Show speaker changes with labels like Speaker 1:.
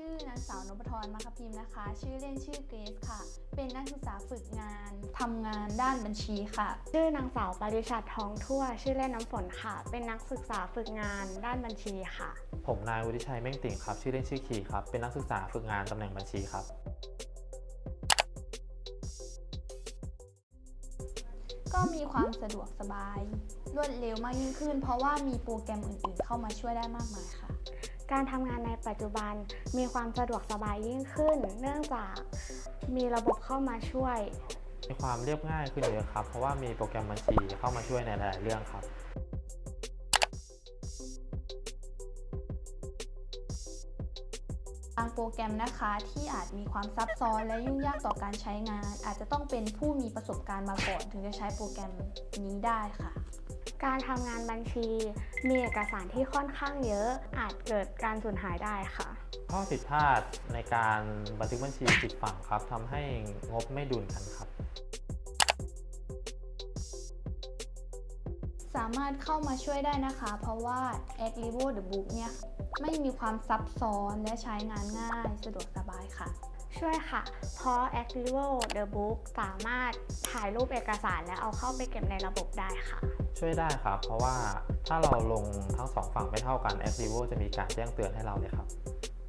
Speaker 1: ชื่อนางสาวนพธรมคพิมพ์นะคะชื่อเล่นชื่อเกรซค่ะเป็นนักศึกษาฝึกงานทำงานด้านบัญชีค่ะ
Speaker 2: ชื่อนางสาวปริชัดทองทั่วชื่อเล่นน้ำฝนค่ะเป็นนักศึกษาฝึกงานด้านบัญชีค่ะ
Speaker 3: ผมนายวุฒิชัยเม่งติ่งครับชื่อเล่นชื่อคีครับเป็นนักศึกษาฝึกงานตำแหน่งบัญชีครับ
Speaker 1: ก็มีความสะดวกสบายรวดเร็วมากยิ่งขึ้นเพราะว่ามีโปรแกรมอื่นๆเข้ามาช่วยได้มากมายค่ะ
Speaker 2: การทำงานในปัจจุบันมีความสะดวกสบายยิ่งขึ้นเนื่องจากมีระบบเข้ามาช่วย
Speaker 3: มีความเรียบง่ายขึ้นเยอะครับเพราะว่ามีโปรแกรมบัญชีเข้ามาช่วยในหลายๆเรื่องครับ
Speaker 1: บางโปรแกรมนะคะที่อาจมีความซับซ้อนและยุ่งยากต่อการใช้งานอาจจะต้องเป็นผู้มีประสบการณ์มาก่อนถึงจะใช้โปรแกรมนี้ได้ค่ะ
Speaker 2: การทำงานบัญชีมีเอกสารที่ค่อนข้างเยอะอาจเกิดการสูญหายได้ค่ะ
Speaker 3: ข้อผิดพลาดในการบันทึกบัญชีผิดฝั่งครับทำให้งบไม่ดุลกันครับ
Speaker 1: สามารถเข้ามาช่วยได้นะคะเพราะว่า a c l i v o The Book เนี่ยไม่มีความซับซ้อนและใช้งานง่ายสะดวกสบายค่ะ
Speaker 2: ช่วยค่ะเพราะ Activo The Book สามารถถ่ายรูปเอกสารและเอาเข้าไปเก็บในระบบได้ค่ะ
Speaker 3: ช่วยได้ครับเพราะว่าถ้าเราลงทั้งสองฝั่งไม่เท่ากัน Activo จะมีการแจ้งเตือนให้เราเลยครับ